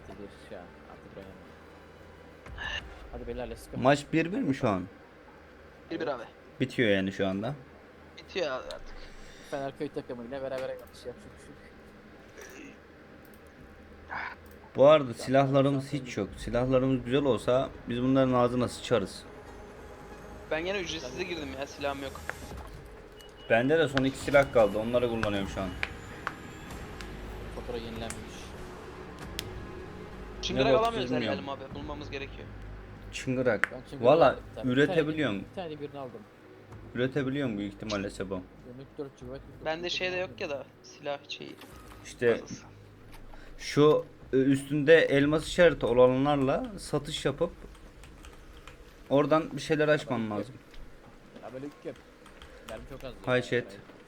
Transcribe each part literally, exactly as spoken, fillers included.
bir ya. Artık oynamam. Hadi beyler let's go. Maç bir bir mi şu an? Bir bir abi. Bitiyor yani şu anda. Bitiyor abi artık. Fenerköy takımıyla beraber yanlış yapacak bir şey yok. Bu arada silahlarımız hiç yok. Silahlarımız güzel olsa biz bunların ağzına sıçarız. Ben yine ücretsize girdim ya, silahım yok. Bende de son iki silah kaldı. Onları kullanıyorum şu an. Fatura yenilenmiş. Çıngırak bok alamıyoruz bilmiyorum. herhalde abi, bulmamız gerekiyor. Çıngırak. Ben çünkü Valla aldım bir tane. üretebiliyorsun. Bir tane birini aldım. Üretebiliyorsun büyük ihtimalle Sebo. Dönük dört gigabayt. Bende şey de yok ya da silah şeyi. İşte fazlası. şu e, üstünde elmas işareti olanlarla satış yapıp oradan bir şeyler açman lazım. Ya böyle yük yap. Mermi çok az. Hay chat.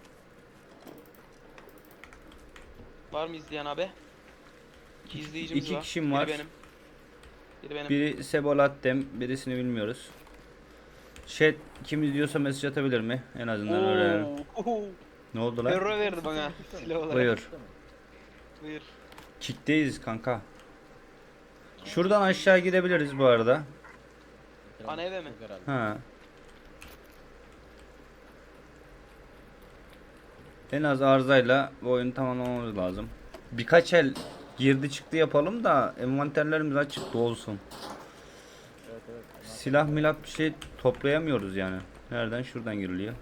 Var mı izleyen abi? İki izleyicimiz İki var. kişim var. Biri benim. Biri benim. Biri Sebo Lattem, birisini bilmiyoruz. Chat kim izliyorsa mesaj atabilir mi? En azından öğrenelim. Oo. Ne oldu lan? Euro verdi bana silah olarak. Buyur. Buyur. Kickteyiz kanka. Şuradan aşağı gidebiliriz bu arada. Ana eve mi? Ha. En az arızayla bu oyunu tamamlamamız lazım. Birkaç el girdi çıktı yapalım da envanterlerimiz açık olsun. Evet evet. Silah milah bir şey toplayamıyoruz yani. Nereden? Şuradan giriliyor.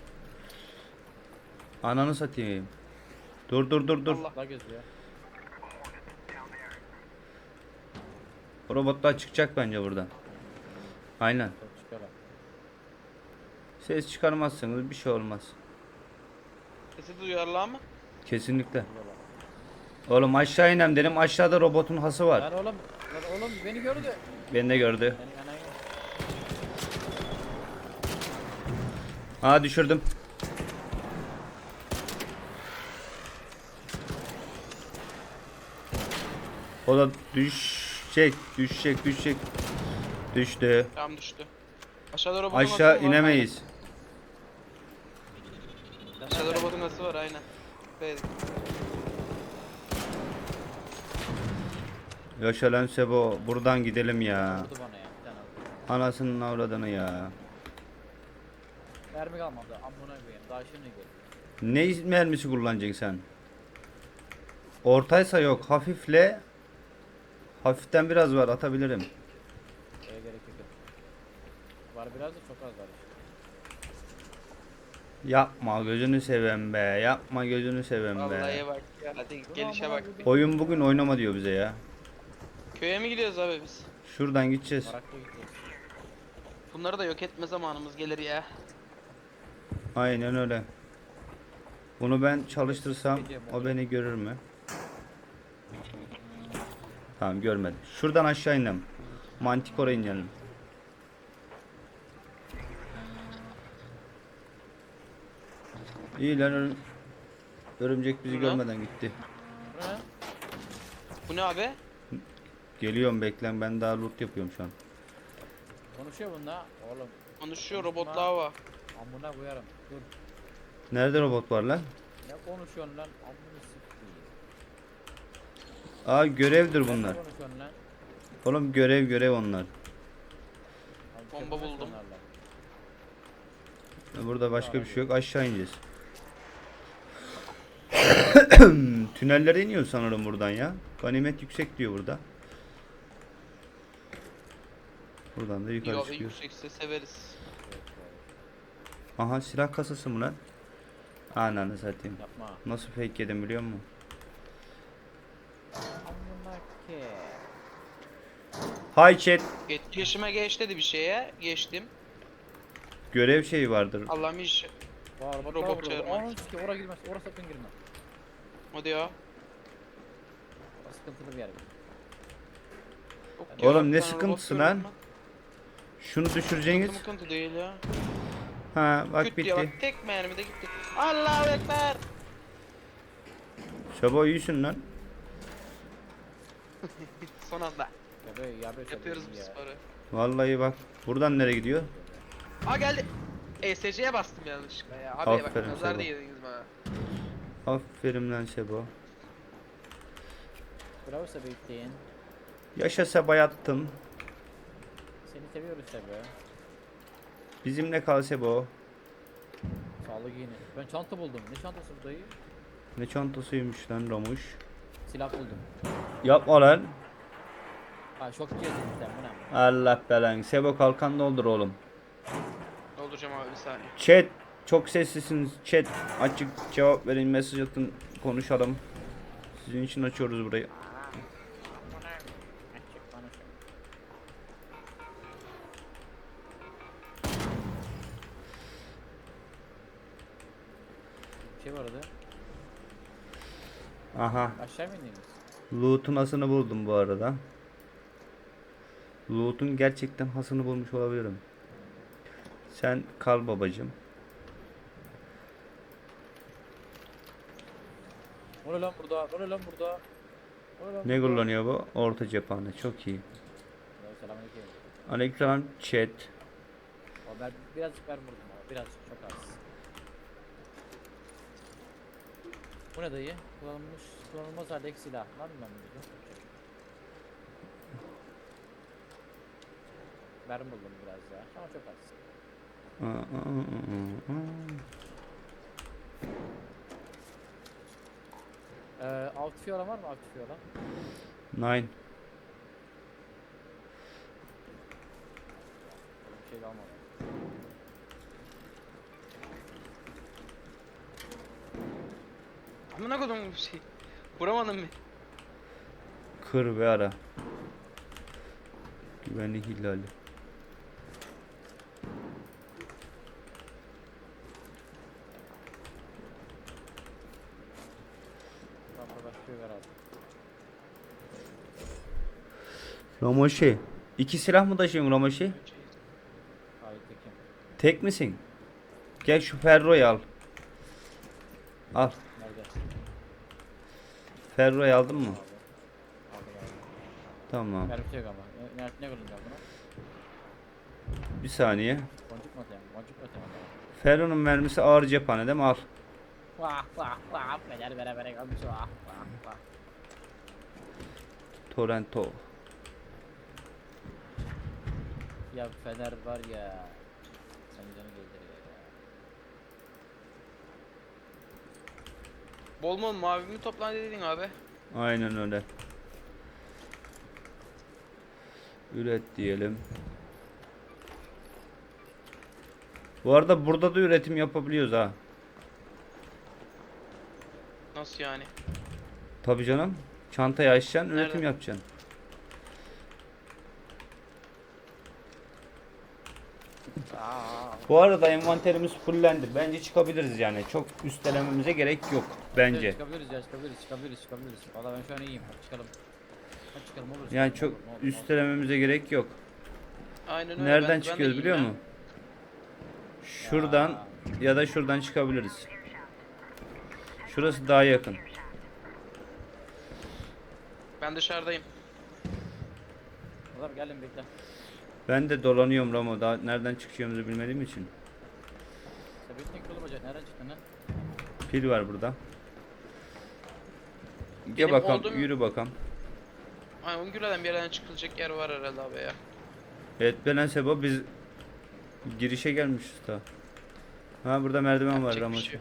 Ananı satayım. Dur dur dur dur. Allah. Allah gözüyor. Robotlar çıkacak bence buradan. Aynen. Çok çıkar. Ses çıkarmazsanız bir şey olmaz. Sesi duyarlar mı? Kesinlikle. Oğlum aşağı inem dedim. Aşağıda robotun hası var. Lan oğlum, lan oğlum beni gördü. Beni de gördü. Beni anayı. Ha düşürdüm. O da düşecek, düşecek, düşecek. Düştü. Tam düştü. Aşağıda robotun Aşağı nasıl var? inemeyiz. Aynen. Aşağıda robotun nasıl var aynen. Evet. Yaşa lan Sebo. Buradan gidelim ya. Vurdu bana ya. Bir tane aldı. Anasının avradını ya. Mermi kalmadı. Amına koyayım. Daha şimdi gel. Ne mermisi kullanacaksın sen? Ortaysa yok. Hafifle. Hafiften biraz var. Atabilirim. Şeye gerek yok. Var biraz da çok az var. Yapma gözünü sevem be. Yapma gözünü sevem be. Vallahi bak ya. Hadi gelişe bak. Oyun bugün oynama diyor bize ya. Köye mi gidiyoruz abi biz? Şuradan gideceğiz. Maraklı gidiyoruz. Bunları da yok etme zamanımız gelir ya. Aynen öyle. Bunu ben çalıştırsam o beni görür mü? Tamam görmedi. Şuradan aşağı inelim. Manticore'a inelim. İyi lan örüm- örümcek bizi Ne? görmeden gitti. Bu ne? Bu ne abi? Geliyorum beklen ben daha loot yapıyorum şu an. Konuşuyor bununla. Oğlum. Konuşuyor robotlar var. Amına koyarım. Dur. Nerede robot var lan? Ne konuşuyorsun lan? Amına sikeyim. Aa görevdir Ne bunlar. konuşuyorsun lan? Oğlum görev görev onlar. Abi, Bomba köpek buldum. onlarla. Burada başka bir şey yok. Aşağı ineceğiz. Tünellere iniyor sanırım buradan ya. Ganimet yüksek diyor burada. Buradan da yukarı Yok çıkıyor. yüksekse severiz. Aha silah kasası mı lan? Ananı satayım. Yapma. Nasıl fake yedim biliyor musun? Amına ke. Hi chat. Etkileşime geç dedi bir şeye. Geçtim. Görev şeyi vardır. Allah'ım iş. Var bak Robot robot çağırmak. Onun ki oraya girmez. Oraya sakın girme. O diyor. O sıkıntılı bir yer. Yok ya, Oğlum bir ne tane robot sıkıntısı gördüm lan? ben. Şunu düşüreceğiniz. Sıkıntı mıkıntı değil ya. Ha bak Küt diye bitti. bak, tek mermide gitti. Allahu Ekber. Şabo iyisin lan. Son anda. Ya böyle ya böyle Yapıyoruz bu ya. sporu. Vallahi bak. Buradan nereye gidiyor? Aa geldi. E S C'ye bastım yanlışlıkla ya. Abi bak Aferin nazar sana. değdiniz bana. Aferin lan Şebo. Bravo Sebastian. Yaşa Seba yattın. Seni seviyoruz tabii. Bizimle kal Sebo. Sağlık yine. Ben çanta buldum. Ne çantası bu dayı? Ne çantasıymış lan Ramuş. Silah buldum. Yapma lan. Ha şok cihazı sen bu ne? Allah belanı. Sebo kalkan doldur oğlum. Dolduracağım abi bir saniye. Chat. Çok sessizsiniz. Chat. Açık cevap verin. Mesaj atın. Konuşalım. Sizin için açıyoruz burayı. Açık konuşun. Bir şey vardı. Aha. Aşağı mı indiniz? Loot'un hasını buldum bu arada. Loot'un gerçekten hasını bulmuş olabilirim. Sen kal babacım. O ne lan burada? O ne lan burada? O ne lan Ne burada? kullanıyor bu? Orta cephane. Çok iyi. Evet, selamünaleyküm. Aleykümselam chat. Ama ben birazcık ver vurdum ama birazcık çok az. Bu ne dayı? Kullanılmış, kullanılmaz haldeki silah. Lan ben bunu. Mermi buldum biraz ya ama çok az. Aa, aa, aa, aa. Ee, aktif olan var mı aktif olan? Nine. Bir şey kalmadı. Amına kodum bir şey. Vuramadım mı? Kır ve ara. Güvenlik ihlali. Tamam başlıyor herhalde. Ramoşi. İki silah mı taşıyorsun Ramoşi? Hayır tekim. Tek misin? Gel şu Ferro'yu al. Al. Nerede? Ferro'yu aldın mı? Aldım aldım. Tamam. Mermi yok ama. Ne, ne, ne kullanacağım buna? Bir saniye. Boncuk mu atayım? Boncuk mu atayım? Ferro'nun mermisi ağır cephane değil mi? Al. Vah vah vah. Beder bere bere kalmış vah vah vah. Torrento. Ya Fener var ya. Sen canı gönderiyor ya. Bol bol mavi mi toplan dedin abi? Aynen öyle. Üret diyelim. Bu arada burada da üretim yapabiliyoruz ha. Nasıl yani? Tabii canım. Çantayı açacaksın, üretim Nerede? yapacaksın. Aa. Bu arada envanterimiz fullendi. Bence çıkabiliriz yani. Çok üstelememize gerek yok bence. Çıkabiliriz ya çıkabiliriz çıkabiliriz çıkabiliriz. Valla ben şu an iyiyim. Hadi çıkalım. Hadi çıkalım olur. Yani çıkalım, çok olur, olur, olur. üstelememize gerek yok. Aynen öyle. Nereden ben- ben de çıkıyoruz iyiyim biliyor ya. musun? Şuradan ya da şuradan çıkabiliriz. Şurası daha yakın. Ben dışarıdayım. Adam geldim bekle. Ben de dolanıyorum Ramo. Daha nereden çıkacağımızı bilmediğim için. Sebetlik yolu bacak. Nereden çıktın lan? Pil var burada. Gel Benim bakalım, olduğum- yürü bakalım. Ay Ungül'den bir yerden çıkılacak yer var herhalde abi ya. Evet Belen Sebo biz girişe gelmişiz daha. Ha burada merdiven var Yapacak bir Ramo. şey yok.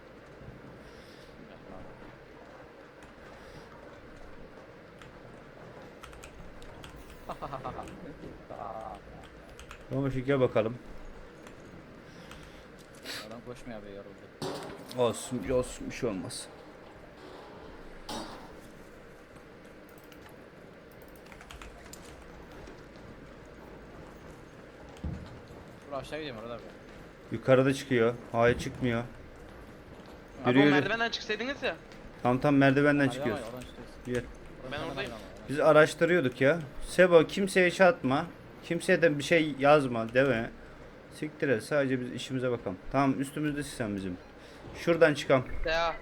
Ramo şu gel bakalım. Adam koşmaya be yoruldu. Olsun, olsun bir şey olmaz. Dur aşağı gidiyorum orada be. Yukarıda çıkıyor. Hayır çıkmıyor. Abi Yürü o yürü. merdivenden çıksaydınız ya. Tam tam merdivenden Merdiven çıkıyoruz. var ya, oradan çıkıyoruz. Gel. Oradan Ben hemen oradayım. ayrılamam, oradan. Biz araştırıyorduk ya. Sebo kimseye şey atma. Kimseye de bir şey yazma deme. Siktir et. Sadece biz işimize bakalım. Tamam üstümüzdesin sen bizim. Şuradan çıkalım. Ya.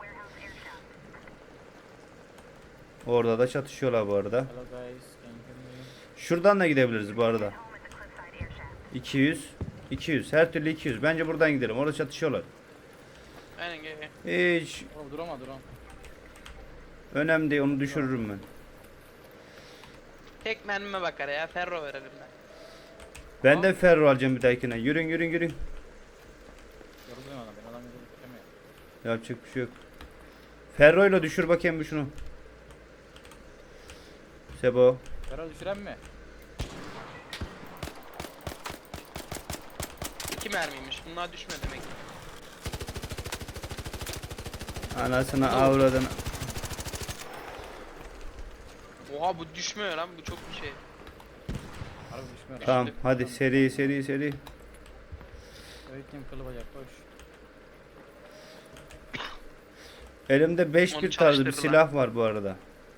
Orada da çatışıyorlar bu arada. Hello guys. Can you hear me? Şuradan da gidebiliriz bu arada. iki yüz. iki yüz. Her türlü iki yüz. Bence buradan gidelim. Orada çatışıyorlar. Aynen gel gel. Hiç Oğlum durama durama. önemli değil. Onu düşürürüm ben. Tek mermime bakar ya. Ferro ver elimden. Ben de ferro alacağım bir dahakine. Yürün yürün yürün. Yoruldum ona ben adam yolu düşemiyor. Yapacak bir şey yok. Ferro'yla düşür bakayım bir şunu. Sebo. Ferro düşüren mi? İki mermiymiş. Bunlar düşmüyor demek. Anasını avradını. Oha bu düşmüyor lan. Bu çok bir şey. Harbi düşmüyor. Tamam Düştü. hadi seri seri seri. Öğretmen kılı bacak koş. Elimde beş Onu bir tarzı bir çalıştırdılar. silah var bu arada.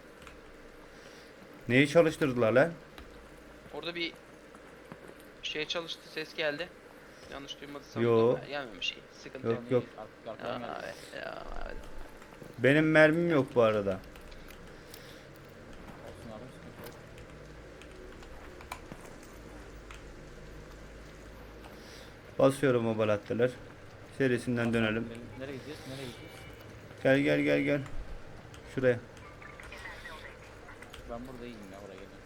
Neyi çalıştırdılar lan? Orada bir şey çalıştı. Ses geldi. Yanlış duymadıysam. Yo. da Gelmemiş şey. Sıkıntı Yok, yok. yok. Ark- arkadan Ya, geldi. evet, ya, evet. Benim mermim yok bu arada. Olsun abi sıkıntı yok. Basıyorum o balatteler. Serisinden dönelim. Nereye, nereye gideceğiz? Nereye gideceğiz? Gel gel gel gel. Şuraya. Ben burada iyiyim ya oraya gelin.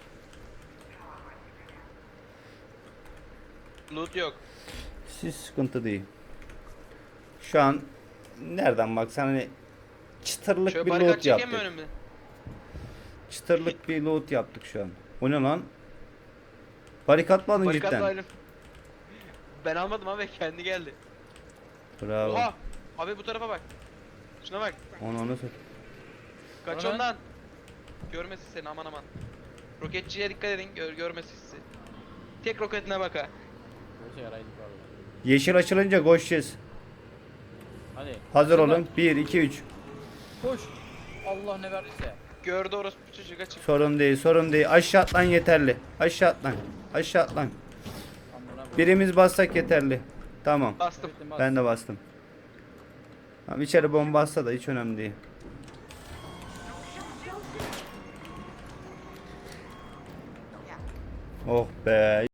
Loot yok. Siz sıkıntı değil. Şu an nereden baksan hani çıtırlık Şöyle bir barikat loot çekeyim mi yaptık. önümde? Çıtırlık bir loot yaptık şu an. O ne lan? Barikat mı aldın Barikat cidden? ayrım. Ben almadım abi kendi geldi. Bravo. Oha! Abi bu tarafa bak. Şuna bak. Onu onu sat. Kaç Ona. ondan. Görmesin seni aman aman. Roketçiye dikkat edin gör, görmesin sizi. Tek roketine bak ha. Boşa yaraydık valla. Yeşil açılınca koşacağız. Hadi. Hazır Şuna. olun. bir iki üç. Koş. Allah ne verdiyse. Gördü orospu çocuğu kaçın. Sorun değil, sorun değil. Aşağı atlan yeterli. Aşağı atlan. Aşağı atlan. Amına koy. Birimiz bassak yeterli. Tamam. Bastım. Öğretmen bas. Ben de bastım. Tamam içeri bomba atsa da hiç önemli değil. Oh be.